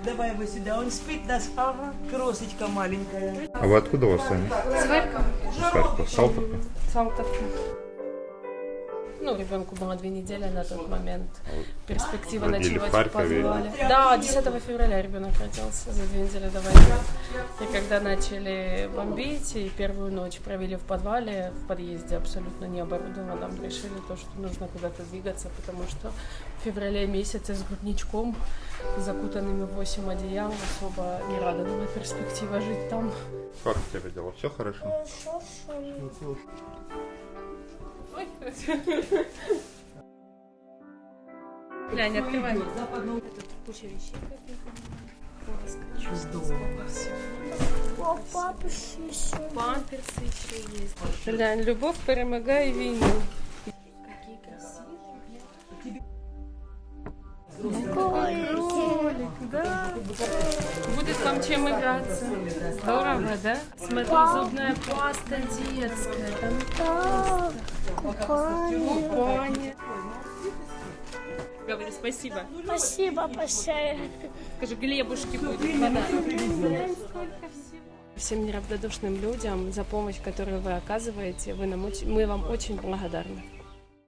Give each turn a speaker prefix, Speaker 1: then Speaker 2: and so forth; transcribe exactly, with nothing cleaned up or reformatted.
Speaker 1: давай его сюда. Он спит нас, ага, кросочка маленькая.
Speaker 2: А вы откуда у вас сами?
Speaker 3: С Харькова.
Speaker 2: С Харькова. Салтовка?
Speaker 3: Салтовка. Ну, ребенку было две недели на тот момент. Перспектива
Speaker 2: Родили
Speaker 3: ночевать
Speaker 2: в Харькове?
Speaker 3: в подвале. Да, десятого февраля ребенок родился, за две недели до войны. И когда начали бомбить, и первую ночь провели в подвале, в подъезде абсолютно не оборудованном, решили то, что нужно куда-то двигаться, потому что в феврале месяце с грудничком, закутанными в восемь одеял, особо не радовала перспектива жить там.
Speaker 2: Как у тебя дела? Все хорошо?
Speaker 3: Глянь, открывай. Тут куча вещей каких-то. Памперсы еще есть. Глянь, любовь перемагає війну. Какие красивые. Кролик, да. Будет вам чем играться. Здорово, да? Смотри, зубная паста детская. Там купание. Говори спасибо.
Speaker 4: Спасибо большое.
Speaker 3: Скажи, Глебушки будет подарок. Всем неравнодушным людям за помощь, которую вы оказываете, вы нам очень, мы вам очень благодарны.